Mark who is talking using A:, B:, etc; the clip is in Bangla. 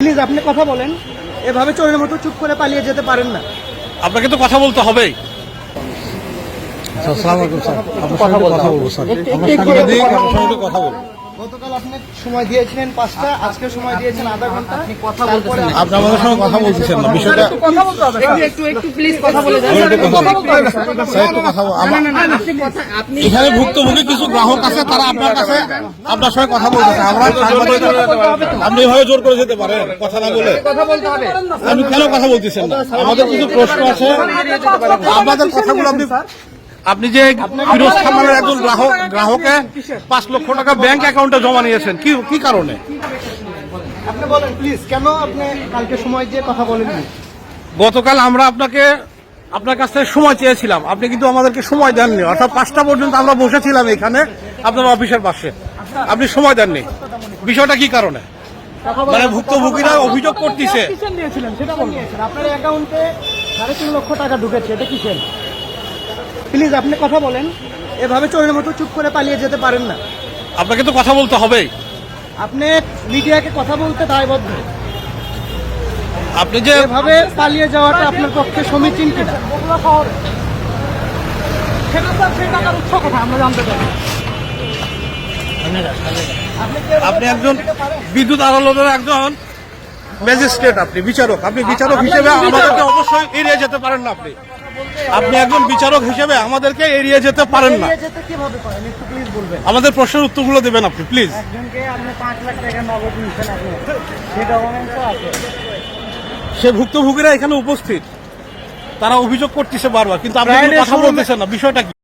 A: প্লিজ আপনি কথা বলেন, এভাবে চোরের মতো চুপ করে পালিয়ে যেতে পারেন না।
B: আপনাকে তো কথা বলতে হবেই।
C: আসসালামু আলাইকুম স্যার, আপনার সঙ্গে কথা বলবো স্যার। আমরা সাংবাদিক, আপনার সঙ্গে কথা বলবো।
A: গতকাল আপনি সময় দিয়েছিলেন 5টা, আজকে সময় দিয়েছেন আধা ঘন্টা। আপনি কথা বলতেছেন না,
C: আপনি আমাদের সঙ্গে কথা বলতেছেন না, বিষয়টা
A: কথা বলতে হবে। একটু প্লিজ কথা বলে যান।
C: স্যার একটু কথা বল। এখানে ভুক্তভোগী কিছু গ্রাহক আছে, তারা আপনার কাছে আপনার সঙ্গে কথা বলতেছে। আমরা সাংবাদিক, আপনি এভাবে জোর করে যেতে পারেন কথা না বলে?
A: কথা বলতে হবে।
C: আপনি কেন কথা বলতেছেন না? আমাদের কিছু প্রশ্ন আছে, আপনাদের কথাগুলো
B: আপনি যে ফিরোজ খামানের একজন গ্রাহকে 5 লক্ষ টাকা ব্যাংক অ্যাকাউন্টে জমা নিয়েছেন, কি কারণে?
A: আপনি বলেন প্লিজ, কেন আপনি কালকে সময় দিয়ে কথা বলেননি?
B: গতকাল আমরা আপনার কাছ থেকে সময় চেয়েছিলাম, আপনি কিন্তু আমাদেরকে সময় দেননি। অর্থাৎ 5টা পর্যন্ত আমরা বসেছিলাম এখানে আপনার অফিসের পাশে, আপনি সময় দেননি। বিষয়টা কি কারণে? মানে ভুক্তভোগীরা অভিযোগ করতেছে।
A: কিসের নিয়েছিলেন সেটা বলুন। আপনার অ্যাকাউন্টে 3.5 লক্ষ টাকা ঢুকেছে, এটা কিসের? প্লিজ আপনি কথা বলেন, এভাবে চোরের মতো চুপ করে পালিয়ে যেতে পারেন না।
B: আপনাকে তো কথা বলতে হবেই।
A: আপনি মিডিয়াকে কথা বলতে দায়বদ্ধ।
B: আপনি যে
A: এভাবে পালিয়ে যাওয়াটা আপনার পক্ষে সমীচীন কিনা আমরা জানতে চাই।
B: আপনি একজন বিদ্যুৎ আদালতের একজন ম্যাজিস্ট্রেট, আপনি বিচারক। আপনি বিচারক হিসেবে আমাদেরকে অবশ্যই এড়িয়ে যেতে পারেন না। আপনি একজন বিচারক হিসেবে আমাদেরকে এড়িয়ে যেতে পারেন না।
A: কিভাবে করেন একটু প্লিজ বলবেন।
B: আমাদের প্রশ্নের উত্তরগুলো দেবেন আপনি প্লিজ।
A: একজনকে আপনি 5 লাখ টাকা নগদ নিচ্ছেন, আপনি সেই ডকুমেন্টস আছে।
B: সে ভুক্তভোগীরা এখানে উপস্থিত, তারা অভিযোগ করতেছে বারবার, কিন্তু আপনি কোনো কথা বলতেছেন না। বিষয়টা কি?